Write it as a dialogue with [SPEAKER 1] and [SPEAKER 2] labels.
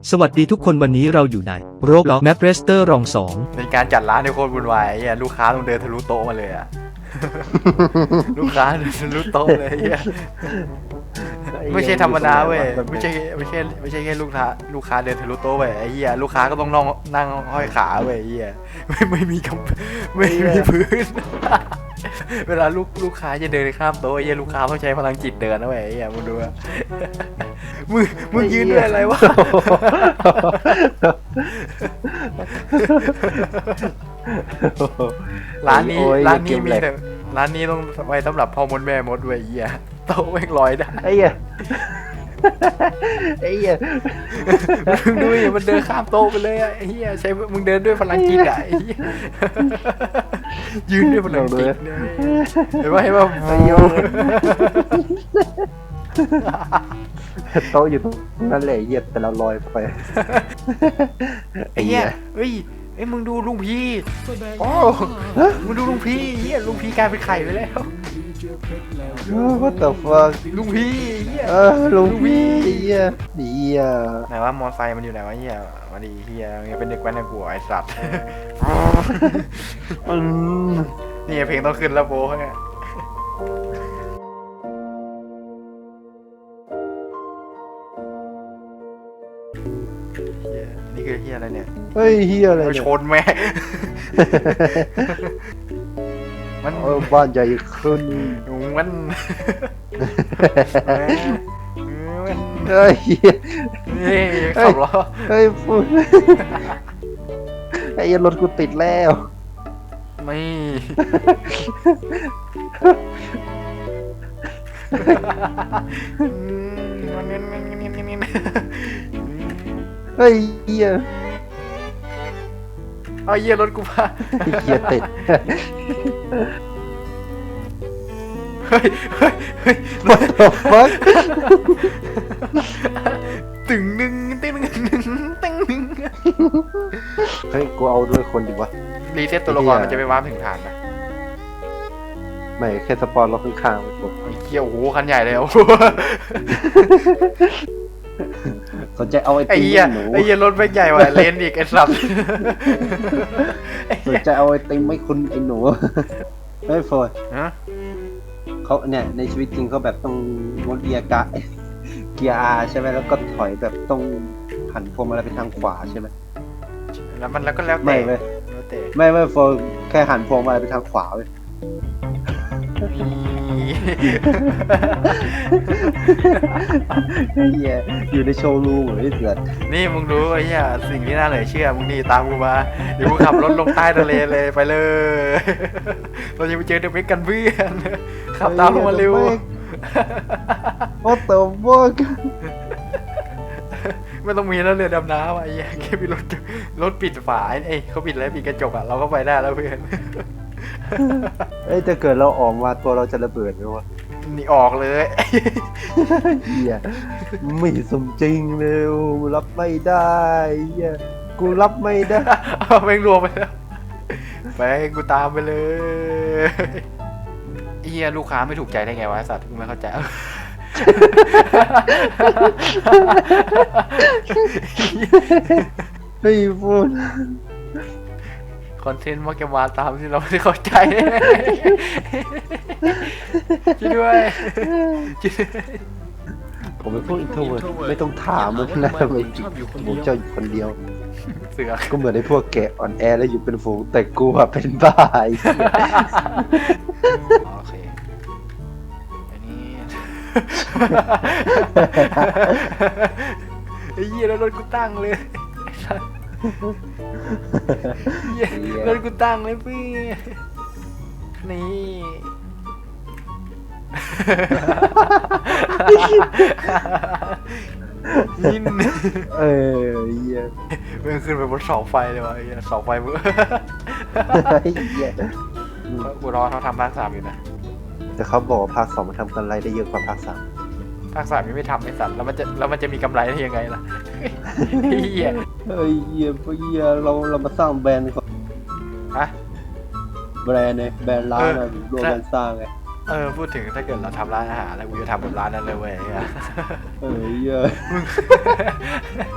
[SPEAKER 1] สวัสดีทุกคนวันนี้เราอยู่ในโรบล็อกแมปเรสเตอร์รองสอง
[SPEAKER 2] ในการจัดร้านในโคตรวุ่นวายไอ้ลูกค้าต้องเดินทะลุโต๊ะมาเลยอะ ลูกค้าเดินทะลุโต๊ะเลยไอ้เหี้ยไม่ใช่ธรรมดาเว้ยไม่ใช่แค่ลูกค้าเดินทะลุโต๊ะเว้ยไอ้เหี้ยลูกค้าก็ต้องนั่งห้อยขาเว้ยไอ้เหี้ยไม่มีไม่มีพื้น เวลาลูกค้าจะเดินข้ามโต๊ะไอ้เหี้ยลูกค้าต้องใช้พลังจิตเดินนะเว้ยไอ้เหี้ยมึงดูอะมึงยืนด้วยอะไรวะ ร้านนี้มีแต่ร้านนี้ต้องไว้สำหรับพ่อมดแม่มดเว้ยไอ้เหี้ยโต๊ะแม่งลอยได้
[SPEAKER 3] ไอ้เหี้ยไอ้เหี้ย
[SPEAKER 2] มึงดูดิมันเดินข้ามโต๊ะไปเลยอะไอ้เหี้ยใช้มึงเดินด้วยพลังจิตอะไอ้เหี้ยยืนด้วยพลังจิตเนี่ยเห็นป่ะ
[SPEAKER 3] ไอ้เหี้ยโต๊ะอยู่ตรงนั้นแหละไอ้เหี้ยแต่เราลอยไป
[SPEAKER 2] ไอ้เหี้ยเฮ้ยมึงดูลุงพี่โอ้มึงดูลุงพี่เหี้ยลุงพี่กลายเป็นไข่ไปแล้ว
[SPEAKER 3] What the fuck
[SPEAKER 2] ลุงพี่เหี้ย
[SPEAKER 3] ลุงพี่เหี้ยเหี้ย
[SPEAKER 2] ไหนว่ามอไซค์มันอยู่ไหนวะเหี้ยมาดีเหี้ยยังเป็นเด็กแว้นในหัวไอ้สัตว์ นี่เพลงต้องขึ้นแล้วโบ้เนี่ยนี่คือเฮียอะไรเนี่ย
[SPEAKER 3] เฮ้ยเหี้ยอะไร
[SPEAKER 2] ไป
[SPEAKER 3] เนี่ย
[SPEAKER 2] ชนแม่ มัน
[SPEAKER 3] บ้านใหญ่ขึ้น
[SPEAKER 2] มัน
[SPEAKER 3] เฮ้ยเหี้ย
[SPEAKER 2] นี่ขับล้อ
[SPEAKER 3] เฮ้ยพูดไอ้เหี้ยรถกูติดแล้ว
[SPEAKER 2] ไม่มันเน้น
[SPEAKER 3] เฮ้ยเหี้ย
[SPEAKER 2] เอาเยี่ยรถกูพา
[SPEAKER 3] เหี้ยติด
[SPEAKER 2] เฮ้ย
[SPEAKER 3] What the fuck
[SPEAKER 2] ตึงหนึ่งตึงหนึ่งตึงหนึ่ง
[SPEAKER 3] เฮ้ยกูเอาด้วยคนดีวะ
[SPEAKER 2] รีเซ็ตตัวละครมันจะไปว้าร์ปถึงฐานไหม
[SPEAKER 3] ไม่แค่สปอนเราข้างๆไปผม
[SPEAKER 2] ไอ้เกี้ยวโอ้โหคันใหญ่เลยโอ้โห
[SPEAKER 3] สนใจเอาไอ้
[SPEAKER 2] ไอ้
[SPEAKER 3] ติม
[SPEAKER 2] เหี้ย
[SPEAKER 3] หนู
[SPEAKER 2] ไอ้เหี้ยรถแม่งใหญ่กว่าเลนอีกไอ้สัตว์
[SPEAKER 3] สนใจเอาไอ้ติมไม่คุณไอ้หนูเฮ้ยโฟย
[SPEAKER 2] ฮะ
[SPEAKER 3] เขาเนี่ยในชีวิตจริงเขาแบบต้องงดเกียร์กะเกียร์อาใช่ไหมแล้วก็ถอยแบบต้องหันพวงมาลัยไปทางขวาใช่ไหม
[SPEAKER 2] แล้วก็แล้วแต่
[SPEAKER 3] ไม่เว้ย
[SPEAKER 2] แล้วแต่
[SPEAKER 3] ไม่โฟยแค่หันพวงมาลัยไปทางขวาเว้ยเฮียอยู่ในโชว์รูมเหมือนที่เสือ
[SPEAKER 2] นี่มึงรู้ไอ้เหี้ยสิ่งที่น่าเหลือเชื่อมึงนี่ตามกูมาเดี๋ยวกูขับรถลงใต้ทะเลเลยไปเลย เราจะไปเจอเดอะเมกกันเพื่อนขับตามลงมาเร็ว
[SPEAKER 3] โอ้ตัวพวก
[SPEAKER 2] ไม่ต้องมีแล้วเรือดำน้ำอ่ะไอ้เหี้ยแค่มีรถปิดฝาเอ้ยเขาปิดแล้วปิดกระจกอ่ะเราก็ไปได้แล้วเพื่อน
[SPEAKER 3] เอ้ยถ้าเกิดเราออกมาตัวเราจะระเบิดไหมวะ
[SPEAKER 2] นี่ออกเลย
[SPEAKER 3] เฮียไม่สมจริงเลยรับไม่ได้เฮียกูรับไม่ได้
[SPEAKER 2] เอาแม่งรวมไปแล้วไปกูตามไปเลยไอ้เหี้ยลูกค้าไม่ถูกใจได้ไงวะไอ้สัตว์กูไม่เข้าใจ
[SPEAKER 3] เฮ้ยพูด
[SPEAKER 2] คอนเทนต์มักจะมาตามที่เราไม่ได้เข้าใจ ช่วยด้วยช่วยด้วย
[SPEAKER 3] ผมเป็นพวกอินโทรเวิร์ดไม่ต้องถามมันนะทำไมผมเจ้าอยู่คนเดียว
[SPEAKER 2] เสือก
[SPEAKER 3] ก็เหมือนไอ้พวกแกะอ่อนแอแล้วอยู่เป็นฝูงแต่กูอะเป็นบ้าไอ้เหี้ย
[SPEAKER 2] โอเคอันนี้ไอ้เหี้ยแล้วรถกูตั้งเลยไอ้สัสเหี้ยรถกูตั้งเลยพี่นี่ ยิน
[SPEAKER 3] เออเหี้ย
[SPEAKER 2] เมื่อขึ้นไปบนเสาไฟเลยวะไอ้เหี้ยเสาไฟมึง
[SPEAKER 3] ไอ้เหี้ย
[SPEAKER 2] กูรอเขาทำภาค 3อยู่นะ
[SPEAKER 3] แต่เขาบอกว่าภาค 2มันทำกำไรได้เยอะกว่าภาค 3
[SPEAKER 2] ภาค 3ยังไม่ทำไอ้สัตว์แล้วมันจะมีกำไรได้ยังไงล่ะ ไอ้เหี้ย
[SPEAKER 3] เฮ้ยเหี้ยพวกเหี้ยเรามาสร้างแบรนด์ก่อน
[SPEAKER 2] ฮะ
[SPEAKER 3] แบรนด์เนี่ยแบรนด์ร้านอะรวมกันสร้างไง
[SPEAKER 2] พูดถึงถ้าเกิดเราทำร้านอาหารแล้วกูจะทำแบบร้านนั้นเลยเว้ย
[SPEAKER 3] เออเหี้ย